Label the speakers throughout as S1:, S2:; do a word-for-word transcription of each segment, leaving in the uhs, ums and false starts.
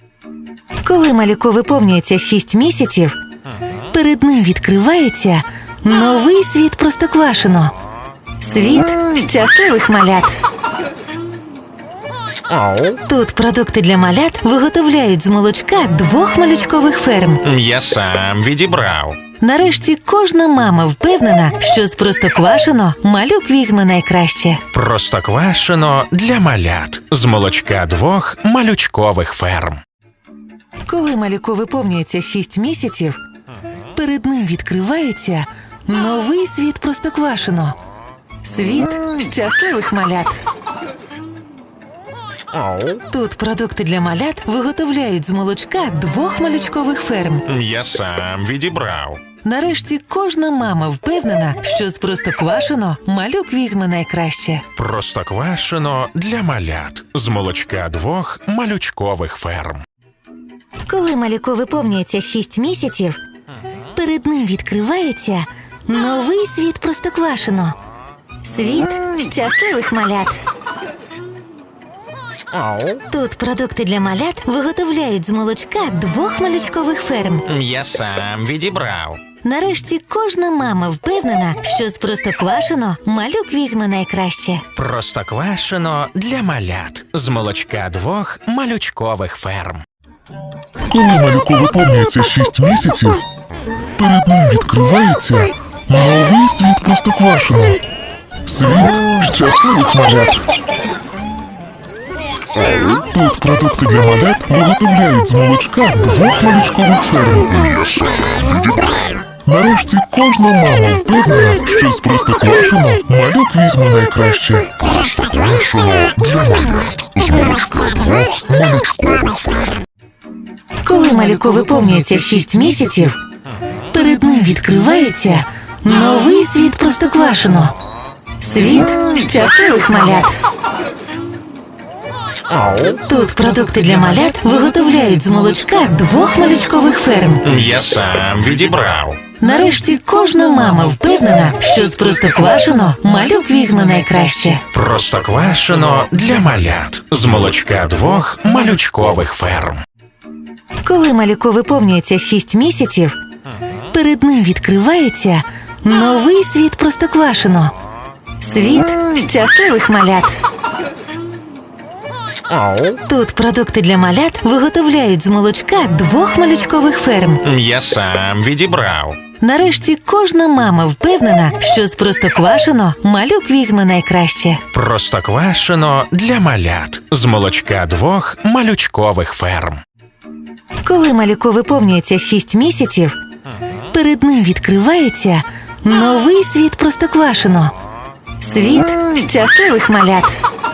S1: Коли малюку виповнюється шість місяців, перед ним відкривається новий світ Простоквашино. Світ щасливих малят. Тут продукти для малят виготовляють з молочка двох малючкових ферм.
S2: Я сам відібрав.
S1: Нарешті кожна мама впевнена, що з Простоквашино малюк візьме найкраще.
S2: Простоквашино для малят з молочка двох малючкових ферм.
S1: Коли малюку виповнюється шість місяців, перед ним відкривається новий світ Простоквашино. Світ щасливих малят. Тут продукти для малят виготовляють з молочка двох малючкових ферм.
S2: Я сам відібрав.
S1: Нарешті кожна мама впевнена, що з Простоквашино малюк візьме найкраще.
S2: Простоквашино для малят з молочка двох малючкових ферм.
S1: Коли малюку виповнюється шість місяців, перед ним відкривається новий світ Простоквашино. Світ щасливих малят. Тут продукти для малят виготовляють з молочка двох малючкових ферм.
S2: Я сам відібрав.
S1: Нарешті кожна мама впевнена, що з Простоквашино малюк візьме найкраще.
S2: Простоквашино для малят з молочка двох малючкових ферм.
S3: Коли малюку виповнюється шість місяців, перед ним відкривається новий світ Простоквашино. Світ щасливих малят. Тут продукти для малят виготовляють з молочка двох малючкових ферм. Нарешті кожна мама впевнена, що з Простоквашино малюк візьме найкраще. Простоквашино для малят з молочка двох малючкових ферм.
S1: Коли малюку виповнюється шість місяців, перед ним відкривається новий світ Простоквашино. Світ щасливих малят. Тут продукти для малят виготовляють з молочка двох малючкових ферм.
S2: Я сам відібрав.
S1: Нарешті кожна мама впевнена, що з Простоквашино малюк візьме найкраще.
S2: Простоквашино для малят з молочка двох малючкових ферм.
S1: Коли малюку виповнюється шість місяців, перед ним відкривається новий світ Простоквашино. Світ щасливих малят. Тут продукти для малят виготовляють з молочка двох малючкових ферм.
S2: Я сам відібрав.
S1: Нарешті кожна мама впевнена, що з Простоквашино малюк візьме найкраще.
S2: Простоквашино для малят з молочка двох малючкових ферм.
S1: Коли малюку виповнюється шість місяців, перед ним відкривається новий світ Простоквашино. Світ щасливих малят.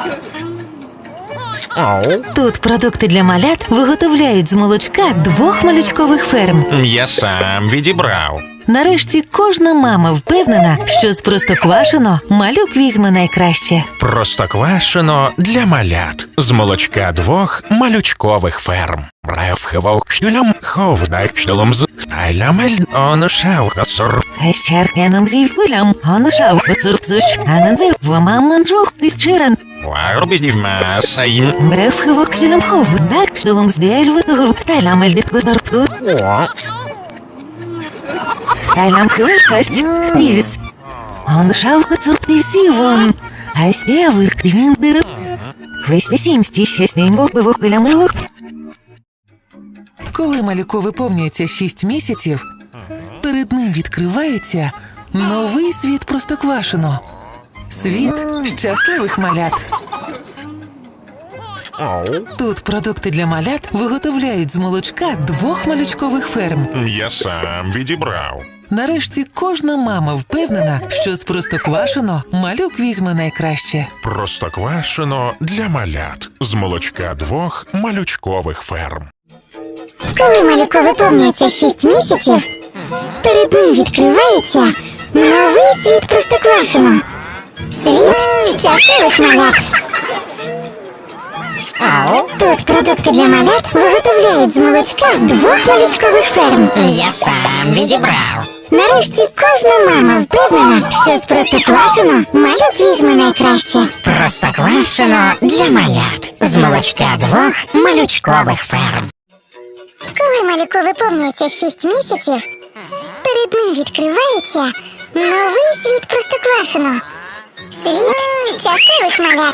S1: Тут продукти для малят виготовляють з молочка двох малючкових ферм.
S2: Я сам відібрав.
S1: Нарешті кожна мама впевнена, що з Простоквашино малюк візьме найкраще.
S2: Простоквашино для малят з молочка двох малючкових ферм. Ревхивовкшнюлям ховдакшнюлом з стайлямель онушавкацур.
S1: Гещеркеном зівкулям онушавкацурпзуш ананвиввамаманджух ізчирен.
S2: Варбіздівмасаїм.
S1: Ревхивовкшнюлям ховдакшнюлом здельвигув тайлямель діткударпту.
S2: О,
S1: Тайлям хвилцащ стивіс. Онушавкацурптивсівон. Айстєвирктивіндирив. Вестісімсті щастень вовпивовкилямилух. Коли малюку виповнюється шість місяців, перед ним відкривається новий світ Простоквашино. Світ щасливих малят. Тут продукти для малят виготовляють з молочка двох малючкових ферм.
S2: я сам відібрав.
S1: Нарешті кожна мама впевнена, що з Простоквашино малюк візьме найкраще.
S2: Простоквашино для малят з молочка двох малючкових ферм.
S4: Коли малюку виповнюється шість місяців, перед ним відкривається новий світ Простоквашино. Світ щасливих малят. Тут продукти для малят виготовляють з молочка двох малючкових ферм.
S5: Я сам відібрав.
S4: Нарешті кожна мама впевнена, що з Простоквашино малюк візьме найкраще.
S5: Простоквашино для малят з молочка двох малючкових ферм.
S4: Коли малюку виповнюється шість місяців, перед ним відкривається новий світ Простоквашино. Світ щасливих малят.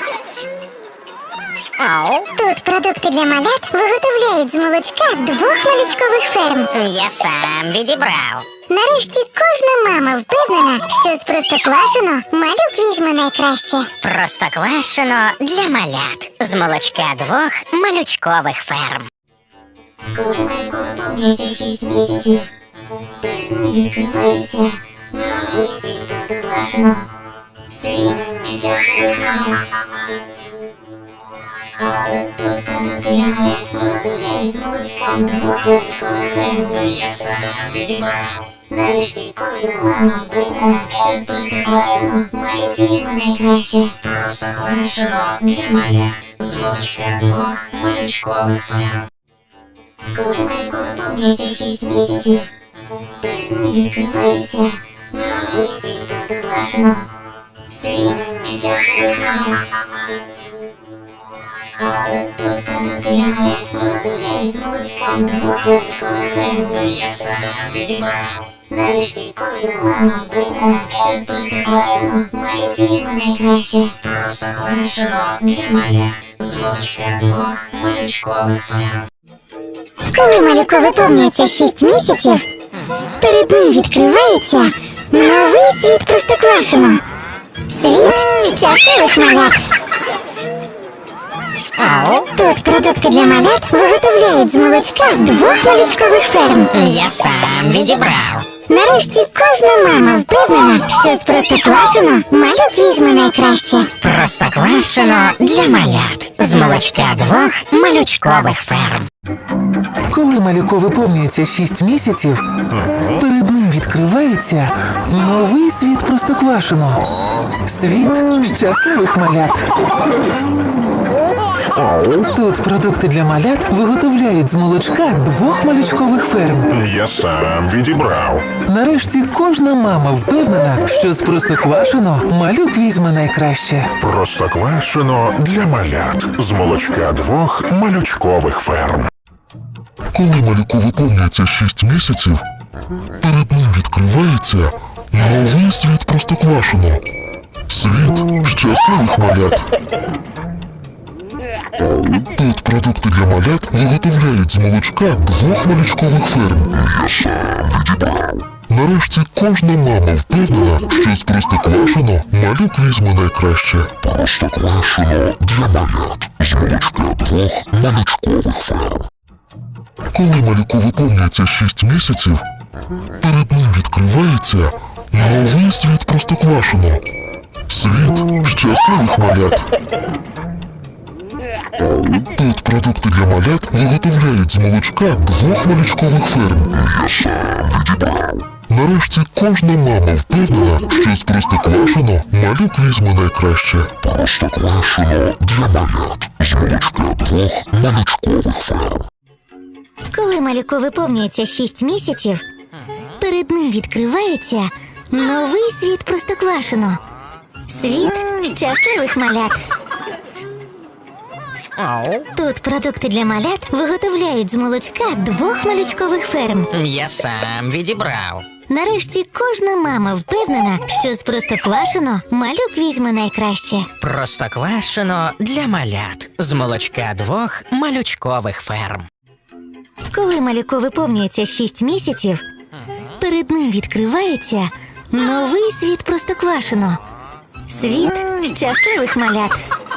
S4: Тут продукти для малят виготовляють з молочка двох малючкових ферм.
S5: Я сам відібрав.
S4: Нарешті кожна мама впевнена, що з Простоквашино малюк візьме найкраще.
S5: Простоквашино для малят з молочка двох малючкових ферм.
S4: Коли малюку виповнюється шість місяців, перед ним відкривається новий світ Простоквашино. Світ щасливих малят. Тут продукти для малят виготовляють з молочка двох малючкових ферм.
S5: Я сам відібрав.
S4: Нарешті кожна мама впевнена, що з Простоквашино малюк візьме найкраще.
S5: Простоквашино для малят з молочка двох малючкових ферм.
S4: Коли малюку виповнюється шість місяців, перед ним відкривається новий світ Простоквашино. Світ щасливих малят. Тут продукти для малят виготовляють з молочка двох малючкових ферм.
S5: Я сам відібрав.
S4: Нарешті кожна мама впевнена, що з Простоквашино малюк візьме найкраще.
S5: Простоквашино для малят з молочка двох малючкових ферм.
S4: Коли малюку виповнюється шість місяців, перед ним відкривається новий світ Простоквашино. Світ щасливих малят. Тут продукти для малят виготовляють з молочка двох малючкових ферм.
S5: Я сам відібрав.
S4: Нарешті кожна мама впевнена, що з Простоквашино малюк візьме найкраще.
S5: Простоквашино для малят з молочка двох малючкових ферм.
S6: Коли малюку виповнюється шість місяців, перед ним відкривається новий світ Простоквашино. Світ щасливих малят. Тут продукти для малят виготовляють з молочка двох малючкових ферм.
S3: Я сам відібрав.
S6: Нарешті кожна мама впевнена, що з Простоквашино малюк візьме найкраще.
S3: Простоквашино для малят з молочка двох малючкових ферм. Коли малюку виповнюється шість місяців, перед ним відкривається новий світ Простоквашино. Світ щасливих малят. Тут продукти для малят виготовляють з молочка двох малючкових ферм. Я сам відібрав. Нарешті кожна мама впевнена, що з Простоквашино малюк візьме найкраще. Простоквашино для малят з молочка двох малючкових ферм. Коли малюку виповнюється шість місяців, перед ним відкривається новий світ Простоквашино. Світ щасливих малят. Тут продукти для малят виготовляють з молочка двох малючкових ферм. Я сам відібрав. Нарешті кожна мама впевнена, що з Простоквашино малюк візьме найкраще. Простоквашино для малят з молочка двох малючкових ферм.
S4: Коли малюку виповнюється шість місяців, перед ним відкривається новий світ Простоквашино. Світ щасливих малят. Тут продукти для малят виготовляють з молочка двох малючкових ферм.
S5: Я сам відібрав.
S4: Нарешті кожна мама впевнена, що з Простоквашино малюк візьме найкраще.
S5: Простоквашино для малят з молочка двох малючкових ферм.
S4: Коли малюку виповнюється шість місяців, перед ним відкривається новий світ Простоквашино. Світ щасливих малят.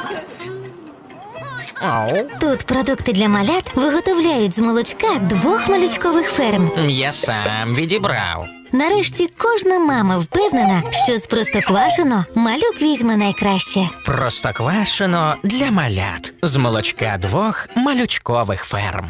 S4: Тут продукти для малят виготовляють з молочка двох малючкових ферм.
S5: Я сам відібрав.
S4: Нарешті кожна мама впевнена, що з Простоквашино малюк візьме найкраще.
S5: Простоквашино для малят з молочка двох малючкових ферм.